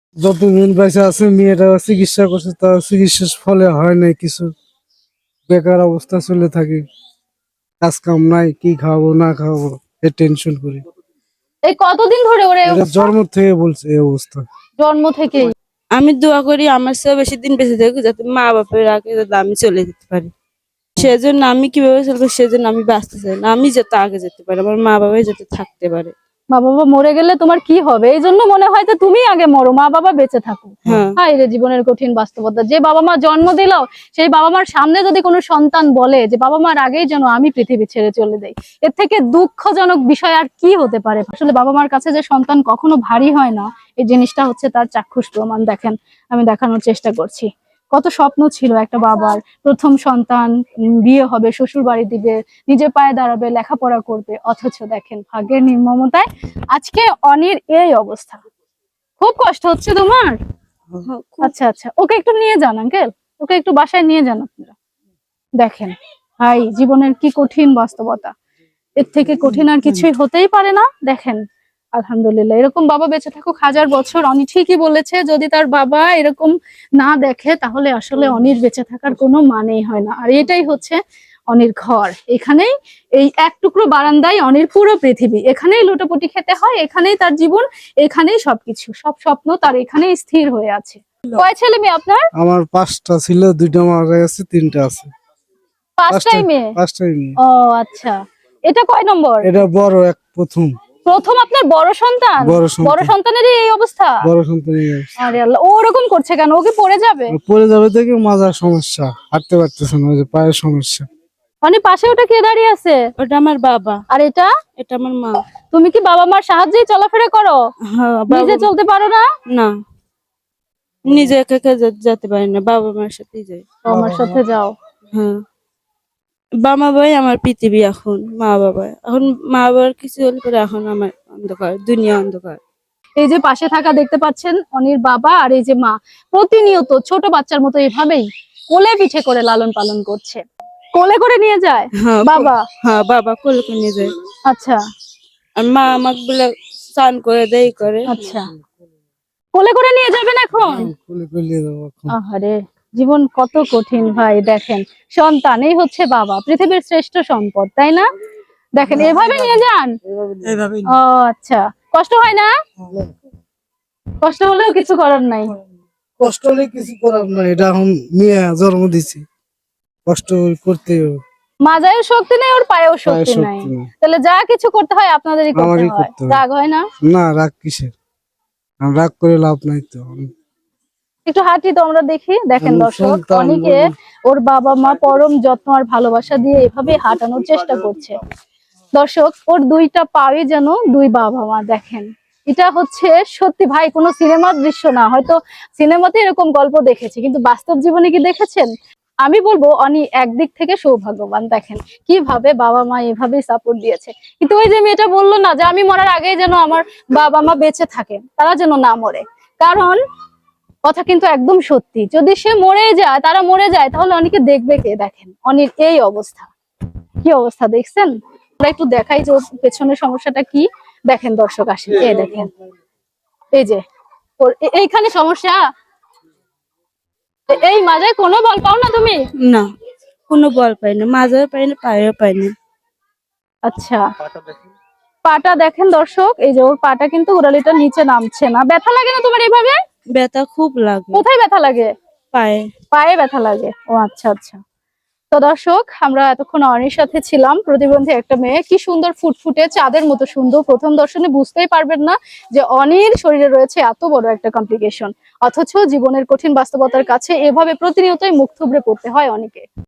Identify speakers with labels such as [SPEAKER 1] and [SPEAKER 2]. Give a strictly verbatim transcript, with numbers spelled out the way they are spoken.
[SPEAKER 1] যতদিন বেঁচে আছে মেয়েটা চিকিৎসা করছে, তার চিকিৎসার ফলে হয় নাই কিছু, বেকার অবস্থা চলে থাকে, কাজ কাম নাই, কি খাওয়াবো না খাওয়াবো এ টেনশন করি।
[SPEAKER 2] এই কতদিন ধরে ওরে
[SPEAKER 1] এটা জন্ম থেকে বলছে এই অবস্থা।
[SPEAKER 2] জন্ম থেকেই
[SPEAKER 3] আমি দোয়া করি আমার চেয়ে বেশি দিন বেঁচে থাকুক, যাতে মা বাপের আগে যাতে আমি চলে যেতে পারি। সেজন্য আমি কিভাবে চলবো, সেজন্য আমি বাঁচতে চাই না, আমি যাতে আগে যেতে পারি, আমার মা বাবাই যাতে থাকতে পারে।
[SPEAKER 2] মা বাবা মরে গেলে তোমার কি হবে, এই জন্য মনে হয় যে তুমি আগে মরো, মা বাবা বেঁচে থাকো।
[SPEAKER 3] হ্যাঁ
[SPEAKER 2] হায় রে জীবনের কঠিন বাস্তবতা। যে বাবা মা জন্ম দিল, সেই বাবা মার সামনে যদি কোনো সন্তান বলে যে বাবা মার আগেই যেন আমি পৃথিবী ছেড়ে চলে যাই, এর থেকে দুঃখজনক বিষয় আর কি হতে পারে। আসলে বাবা মার কাছে যে সন্তান কখনো ভারী হয় না, এই জিনিসটা হচ্ছে তার চাক্ষুষ প্রমাণ। দেখেন, আমি দেখানোর চেষ্টা করছি। কত স্বপ্ন ছিল একটা বাবার, প্রথম সন্তান, উম, বিয়ে হবে, শ্বশুর বাড়ি দিবে, নিজের পায়ে দাঁড়াবে, লেখাপড়া করবে, অথচ দেখেন ভাগ্যের নির্মমতায় আজকে অনির এই অবস্থা। খুব কষ্ট হচ্ছে তোমার? আচ্ছা আচ্ছা, ওকে একটু নিয়ে যান আঙ্কেল, ওকে একটু বাসায় নিয়ে যান আপনারা। দেখেন ভাই, জীবনের কি কঠিন বাস্তবতা, এর থেকে কঠিন আর কিছুই হতেই পারে না। দেখেন, আলহামদুলিল্লাহ এরকম বাবা বেঁচে থাকুক হাজার বছর। অনি ঠিকই বলেছে, যদি তার বাবা এরকম না দেখে তাহলে আসলে অনির বেঁচে থাকার কোনো মানেই হয় না। আর এটাই হচ্ছে অনির ঘর, এখানেই, এই এক টুকরো বারান্দায় অনির পুরো পৃথিবী। এখানেই লুটোপুটি খেতে হয়, এখানেই তার জীবন, এখানেই সবকিছু, সব স্বপ্ন তার এখানেই স্থির হয়ে আছে। কয় ছেলে মেয়ে আপনার?
[SPEAKER 1] আমার পাঁচটা ছিল, দুইটা মারা গেছে, তিনটা আছে।
[SPEAKER 2] পাঁচটাই মেয়ে?
[SPEAKER 1] পাঁচটাই মেয়ে।
[SPEAKER 2] ও আচ্ছা, এটা কয় নম্বর?
[SPEAKER 1] এটা বড় এক, প্রথম
[SPEAKER 2] প্রথম আপনার বড় সন্তান?
[SPEAKER 1] বড় সন্তান।
[SPEAKER 2] বড় সন্তানেরই এই অবস্থা?
[SPEAKER 1] বড় সন্তান এই অবস্থা।
[SPEAKER 2] আরে আল্লাহ, ও ওরকম করছে কেন? ওকে পড়ে যাবে?
[SPEAKER 1] পড়ে যাবে থেকে মাজার সমস্যা, হাঁটতে পারতেছে না, ওই যে পায়ের সমস্যা।
[SPEAKER 2] মানে পাশে ওটা কে দাঁড়িয়ে আছে?
[SPEAKER 3] ওটা আমার বাবা,
[SPEAKER 2] আর এটা?
[SPEAKER 3] এটা আমার মা।
[SPEAKER 2] তুমি কি বাবা মার সাহায্যেই চলাফেরা করো?
[SPEAKER 3] হ্যাঁ,
[SPEAKER 2] নিজে
[SPEAKER 3] বাবা-
[SPEAKER 2] চলতে পারো না?
[SPEAKER 3] না, নিজে একা একা যা- যেতে পারি না, বাবা মার সাথেই যাই।
[SPEAKER 2] বাবা মার সাথে যাও?
[SPEAKER 3] হ্যাঁ, বাবা বাবাই আমার পৃথিবী এখন, মা বাবা এখন, মা বাবার কিছু হলে পরে এখন আমার অন্ধকার, দুনিয়া অন্ধকার।
[SPEAKER 2] এই যে পাশে থাকা দেখতে পাচ্ছেন অনির বাবা আর এই যে মা, প্রতিনিয়ত ছোট বাচ্চার মতো এভাবেই কোলে পিঠে করে লালন পালন করছে। কোলে করে নিয়ে যায়
[SPEAKER 3] হ্যাঁ
[SPEAKER 2] বাবা?
[SPEAKER 3] হ্যাঁ, বাবা কোলে করে নিয়ে যায়।
[SPEAKER 2] আচ্ছা
[SPEAKER 3] আর মা আমাকে বলে স্নান করে দেই করে।
[SPEAKER 2] আচ্ছা, কোলে করে নিয়ে যাবেন এখন?
[SPEAKER 1] কোলে করে নিয়ে যাবো এখন।
[SPEAKER 2] আহারে, জীবন কত কঠিন ভাই। দেখেন, সন্তান এই হচ্ছে বাবা, পৃথিবীর শ্রেষ্ঠ সম্পদ, তাই না? দেখেন এভাবে নিয়ে যান। ও আচ্ছা, কষ্ট হয় না? কষ্ট হলেও কিছু করার নাই।
[SPEAKER 1] কষ্ট হলে কিছু করার নাই, এটা এখন মেয়ে জন্ম দিছি, কষ্ট করতে হবে।
[SPEAKER 2] মাজায়ও শক্তি নেই, ওর পায়েও
[SPEAKER 1] পায়ে
[SPEAKER 2] শক্তি
[SPEAKER 1] শক্তি
[SPEAKER 2] নাই,
[SPEAKER 1] নেই।
[SPEAKER 2] তাহলে যা কিছু করতে হয় আপনাদেরই করতে
[SPEAKER 1] আমারই
[SPEAKER 2] হয়।
[SPEAKER 1] করতে হয়।
[SPEAKER 2] রাগ হয় না?
[SPEAKER 1] না, রাগ কিসের, আর রাগ করে লাভ নাই তো।
[SPEAKER 2] একটু হাঁটি তো আমরা দেখি। দেখেন
[SPEAKER 1] আমি
[SPEAKER 2] দর্শক,
[SPEAKER 1] সন্তান
[SPEAKER 2] অনেকে ওর বাবা মা পরম যত্ন আর ভালোবাসা দিয়ে এভাবে হাঁটানোর চেষ্টা করছে। দর্শক, ওর দুইটা পায়ে যেন দুই বাবা মা। দেখেন, এটা হচ্ছে সত্যি ভাই, কোনো সিনেমার দৃশ্য না, হয়তো সিনেমাতে এরকম গল্প দেখেছি, কিন্তু বাস্তব জীবনে কি দেখেছেন? আমি বলবো অনি একদিক থেকে সৌভাগ্যবান। দেখেন কিভাবে বাবা মা এভাবেই সাপোর্ট দিয়েছে। কিন্তু ওই যে মেয়েটা বললো না যে আমি মরার আগেই যেন আমার বাবা মা বেঁচে থাকে, তারা যেন না মরে, কারণ কথা কিন্তু একদম সত্যি, যদি সে মরে যায়, তারা মরে যায়, তাহলে অনেকে দেখবে কে? দেখেন অনির এই অবস্থা, কি অবস্থা দেখছেন? আমরা একটু দেখাই যে ওর পেছনের সমস্যাটা কি। দেখেন দর্শক, আসেন, এই দেখেন, এই যে ওর এ- এইখানে সমস্যা। এ- এই মাজায় কোনো বল পাও না তুমি?
[SPEAKER 3] না, কোনো বল পাই না, মাজাও পাই না, পায়েও পাই না।
[SPEAKER 2] আচ্ছা, পাটা দেখেন দর্শক, এই যে ওর পাটা কিন্তু গোড়ালিটা নিচে নামছে না। ব্যথা লাগে না তোমার এইভাবে?
[SPEAKER 3] ব্যথা খুব লাগে
[SPEAKER 2] কোথায় ব্যথা লাগে?
[SPEAKER 3] পায়ে।
[SPEAKER 2] পায়ে ব্যথা লাগে? ও আচ্ছা আচ্ছা। তো দর্শক, আমরা এতক্ষণ অনির সাথে ছিলাম, প্রতিবন্ধী একটা মেয়ে, কি সুন্দর ফুটফুটে চাঁদের মতো সুন্দর। প্রথম দর্শনে বুঝতেই পারবেন না যে অনির শরীরে রয়েছে এত বড় একটা কমপ্লিকেশন, অথচ জীবনের কঠিন বাস্তবতার কাছে এভাবে প্রতিনিয়তই মুখ থুবড়ে পড়তে হয় অনিকে।